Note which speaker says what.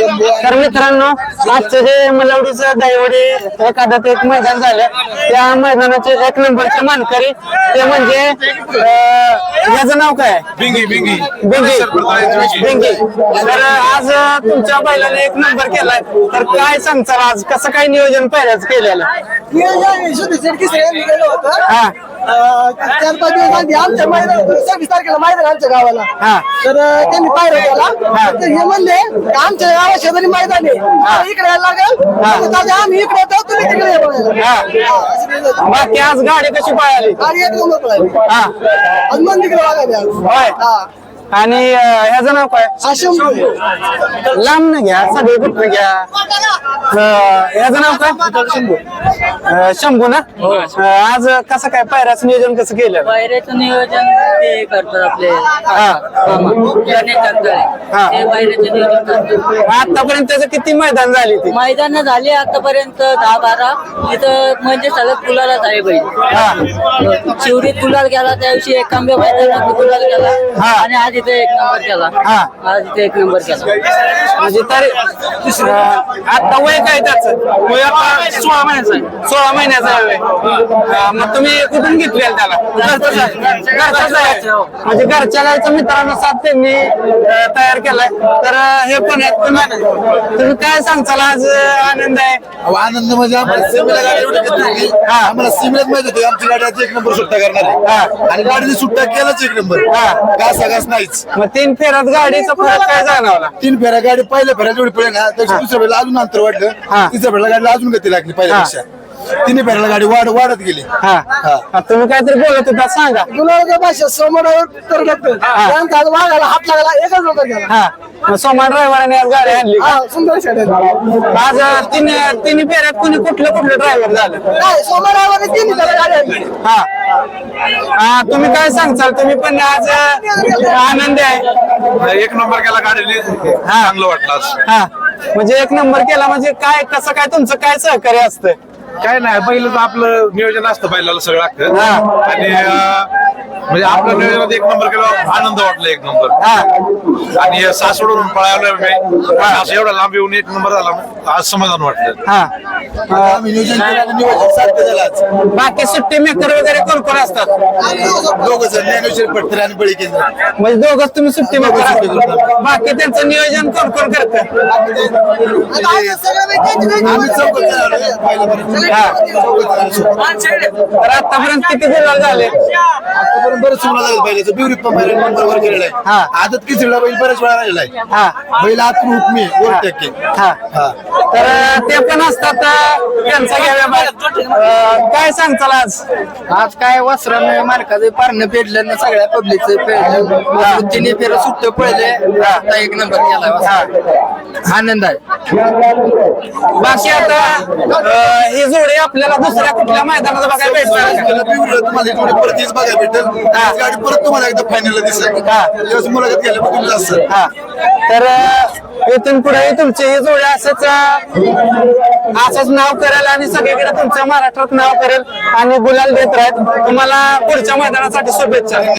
Speaker 1: तर मित्रांनो आजचं जे मलवडीचं दहिवडी एखादं एक मैदान झालं त्या मैदानाचे 1 नंबरचे मानकरी ते म्हणजे याचं नाव काय
Speaker 2: बिंगी बिंगी
Speaker 1: बिंगी तर आज तुमच्या बैलाने 1 नंबर केलाय तर काय सांगचाल आज कसं काय नियोजन पहिल्याच केलेलं हा
Speaker 3: 4-5 दिवस आधी आमच्या मैदान 26 तारखेला मैदान आमच्या गावाला तर त्यांनी पायऱ्या केला तर हे म्हणले आमच्या गावा शेजारी मैदान आहे इकडे यायला लागेल आम्ही इकडे येतो तुम्ही तिकडे या.
Speaker 1: बाकी आज गाडी कशी पळाली
Speaker 3: गाडी एक नंबर पळाली. आज मन तिकडे बघायला
Speaker 1: आणि ह्याचं नाव काय लांब न घ्या सगळे कुठं घ्या ह्याचं नाव काय शंभू ना आज कसं काय पायऱ्याचं नियोजन कसं केलं
Speaker 4: पायऱ्याचं नियोजन ते करतात आपले पायऱ्याचं नियोजन करतात.
Speaker 1: आतापर्यंत त्याचं किती मैदान झाली ती
Speaker 4: मैदान झाले आतापर्यंत 10-12 तिथं म्हणजे सलग गुलालाच आहे बैल शिवरीत गुलाल गेला त्या दिवशी एकांबे मैदानात गुलाल गेला आणि आज इथे 1 नंबर केला आज इथे 1 नंबर केला
Speaker 1: म्हणजे तरी आता वय काय त्याचं वय आता 16 महिन्याचं आहे 16 महिन्याचं आहे वय. मग तुम्ही कुठून घेतलेलं त्याला घरचाच आहे म्हणजे घरच्या गायचं मित्रांनो साथ त्यांनी तयार केलाय तर हे पण तुम्ही काय सांगचाल आज आनंद आहे
Speaker 2: आनंद म्हणजे आम्हाला सीमेला गाडी एवढी घेतली होती. आम्हाला सीमेलाच माहित होती आमची गाडी आज 1 नंबर सुट्टा करणार आहे आणि गाडीने सुट्टा केलाच 1 नंबर घास नाहीच.
Speaker 1: मग 3 फेऱ्यात गाडीचा फरक काय जाणवला
Speaker 2: 3 फेऱ्या गाडी पहिल्या फेऱ्यात एवढी पडली ना त्याच्या दुसऱ्या फेऱ्याला अजून अंतर वाढलं तिसऱ्या फेऱ्याला गाडीला अजून गती लागली पहिल्यापेक्षा 3 फेऱ्याला गाडी वाढत गेली.
Speaker 1: तुम्ही काहीतरी बोलत होता सांगा
Speaker 3: गुलाबाच्या भाषेत समोरावर तर लागतं त्यांचा आज वाघाला हात लागला एकच नंबर केला
Speaker 1: मग सोमा ड्रायव्हराने आज गाडी आणली
Speaker 3: सुंदर शेड
Speaker 1: आज तिन्ही फेऱ्यात कुठलं ड्रायव्हर झालं
Speaker 3: नाही सोमवारावर तिन्ही त्याला गाडी आणली
Speaker 1: तुम्ही काय सांगचाल तुम्ही पण आज आनंद आहे
Speaker 2: 1 नंबर केला गाडीने चांगलं वाटलं आज.
Speaker 1: म्हणजे 1 नंबर केला म्हणजे काय कसं काय तुमचं काय सहकार्य असतं
Speaker 2: काय नाही पहिलं आपलं नियोजन असतं पहिल्याला सगळं लागतं आणि म्हणजे आपल्या नियोजनात 1 नंबर केला आनंद वाटला 1 नंबर आणि सासवडून पळायला मी असं एवढा लांब येऊन 1 नंबर झाला आज समाधान वाटलं. आम्ही नियोजन केलं नियोजन साध्य झालं आज.
Speaker 1: बाकी सुट्टी मेकर वगैरे कोण कोण असतात
Speaker 2: दोघं जण ज्ञानेश्वर पटकर आणि बळी केंद्र
Speaker 1: म्हणजे दोघंच तुम्ही सुट्टी मेकर असतात बाकी त्यांचं नियोजन कोण कोण करतं
Speaker 2: आम्ही चौकत पहिल्यापर्यंत
Speaker 1: तर आतापर्यंत किती गुलाल झाले
Speaker 2: आतापर्यंत बरेच वेळा झाले पहिल्याचं बिवरीत पण पहिल्या नंबरवर गेलेला आहे आदत किचडला बैल बऱ्याच वेळा राहिलेला आहे बैल आतून हुकमी 1%
Speaker 1: तर ते पण असतात त्यांचा घ्याव्या काय सांगताल आज
Speaker 4: काय वस्त्रानं मार्काचं पारणं पेडलं ना सगळ्या पब्लिकचं पेडलं 3 फेर सुट्ट पडले आता 1 नंबर केला आनंद आहे.
Speaker 1: बाकी आता ही जोडी आपल्याला दुसऱ्या कुठल्या मैदानात बघायला भेटणार
Speaker 2: तुम्हाला परत तीच बघायला भेटेल गाडी परत तुम्हाला एकदा फायनलला दिसेल मुलाखत घ्यायला बघून जास्त
Speaker 1: तर इथून पुढे तुमची ही जोडी असंच नाव करेल आणि सगळीकडे तुमच्या महाराष्ट्रात नाव करेल आणि गुलाल देत राहत तुम्हाला पुढच्या मैदानासाठी शुभेच्छा.